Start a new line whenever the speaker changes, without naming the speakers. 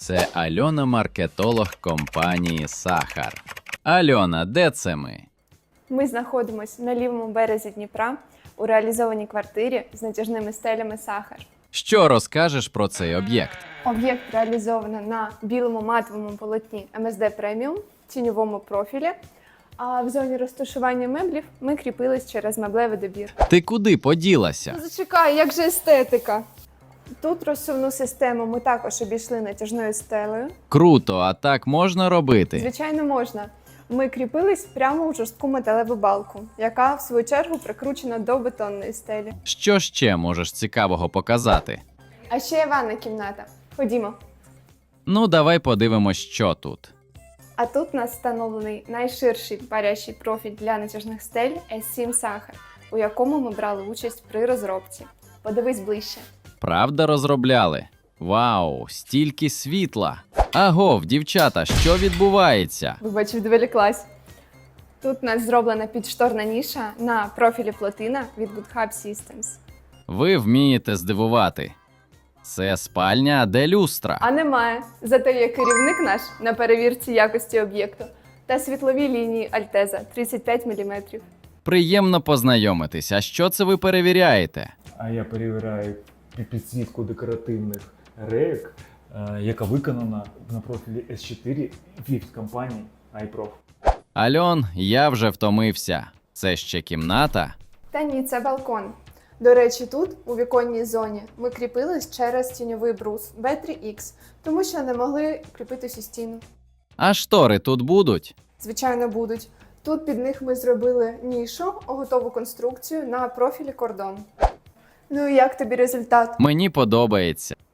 Це Альона, маркетолог компанії Сахар. Альона, де це ми?
Ми знаходимося на лівому березі Дніпра у реалізованій квартирі з натяжними стелями Сахар.
Що розкажеш про цей об'єкт?
Об'єкт реалізовано на білому матовому полотні МСД Преміум, тіньовому профілі, а в зоні розташування меблів ми кріпились через меблевий добір.
Ти куди поділася?
Зачекай, як же естетика! Тут розсувну систему ми також обійшли натяжною стелею.
Круто, а так можна робити?
Звичайно, можна. Ми кріпились прямо у жорстку металеву балку, яка, в свою чергу, прикручена до бетонної стелі.
Що ще можеш цікавого показати?
А ще є ванна кімната. Ходімо.
Ну, давай подивимось, що тут.
А тут у нас встановлений найширший парящий профіль для натяжних стель S7 Сахар, у якому ми брали участь при розробці. Подивись ближче.
Правда розробляли? Вау, стільки світла! Агов, дівчата, що відбувається?
Вибач, відволіклась. Тут у нас зроблена підшторна ніша на профілі плотина від Good Hub Systems.
Ви вмієте здивувати. Це спальня, а де люстра?
А немає. Зате є керівник наш на перевірці якості об'єкту та світлові лінії Альтеза 35 мм.
Приємно познайомитись. А що це ви перевіряєте?
А я перевіряю підсвітку декоративних рейок, яка виконана на профілі S4 від компанії iProf.
Альон, я вже втомився. Це ще кімната?
Та ні, це балкон. До речі, тут, у віконній зоні, ми кріпились через тіньовий брус B3X, тому що не могли кріпитись у стіну.
А штори тут будуть?
Звичайно, будуть. Тут під них ми зробили нішу, готову конструкцію на профілі кордон. Ну і як тобі результат?
Мені подобається.